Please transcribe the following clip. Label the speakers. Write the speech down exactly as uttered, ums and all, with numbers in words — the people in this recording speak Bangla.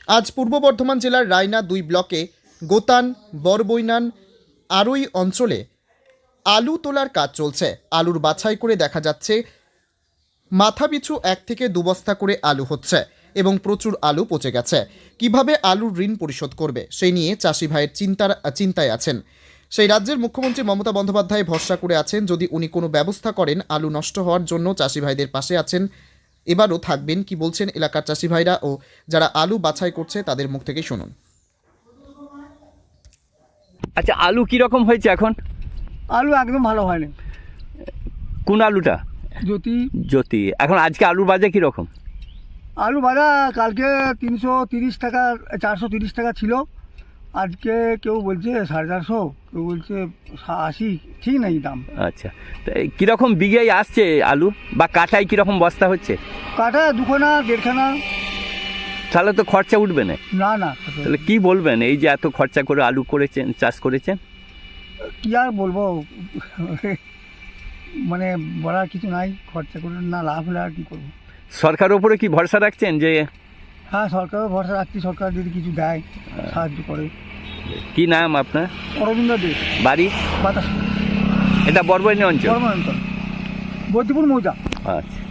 Speaker 1: আজ পূর্ব বর্ধমান জেলার রায়না দুই ব্লকে গোতান বরবৈনান আরই অঞ্চলে আলু তোলার কাজ চলছে। আলুর বাছাই করে দেখা যাচ্ছে মাথাপিছু এক থেকে দু বস্তা করে আলু হচ্ছে এবং প্রচুর আলু পচে গেছে। কিভাবে আলুর ঋণ পরিশোধ করবে সেই নিয়ে চাষি ভাইয়ের চিন্তার চিন্তায় আছেন। সেই রাজ্যের মুখ্যমন্ত্রী মমতা বন্দ্যোপাধ্যায় ভরসা করে আছেন, যদি উনি কোনো ব্যবস্থা করেন আলু নষ্ট হওয়ার জন্য চাষি ভাইদের পাশে আছেন। এবারও থাকবেন, কি বলছেন এলাকার চাষি ভাইরা ও যারা আলু বাছাই করছে তাদের মুখ থেকে শুনুন।
Speaker 2: আচ্ছা, আলু কিরকম হয়েছে এখন?
Speaker 3: আলু একদম ভালো হয়নি।
Speaker 2: কোন আলুটা?
Speaker 3: জ্যোতি
Speaker 2: জ্যোতি। এখন আজকে আলুর বাজার কীরকম?
Speaker 3: আলু বাজা কালকে তিনশো তিরিশ টাকা চারশো তিরিশ টাকা ছিল, আজকে কেউ বলছে সাড়ে চারশো, কেউ বলছে আশি, ঠিক নেই দাম।
Speaker 2: আচ্ছা, তো এই কীরকম বিঘায় আসছে আলু বা কাঠায় কীরকম বস্তা হচ্ছে?
Speaker 3: কাঠা দুখানা দেড়খানা।
Speaker 2: তাহলে তো খরচা উঠবে না।
Speaker 3: না না
Speaker 2: তাহলে কি বলবেন, এই যে এত খরচা করে আলু করেছেন, চাষ করেছেন?
Speaker 3: কি আর বলবো, মানে বলার কিছু নাই, খরচা করে না লাভ হলে আর কী করবো।
Speaker 2: সরকারের উপরে কি ভরসা রাখছেন যে?
Speaker 3: হ্যাঁ, সরকারও ভরসা রাখছি, সরকার যদি কিছু দেয়, সাহায্য করে।
Speaker 2: কি নাম আপনার?
Speaker 3: অরবিন্দ দে,
Speaker 2: বাড়ি?
Speaker 3: বাতাস,
Speaker 2: এটা বরবৈনী অঞ্চল,
Speaker 3: বর্মা অঞ্চল, বৈদ্যপুর মৌজা।
Speaker 2: আচ্ছা।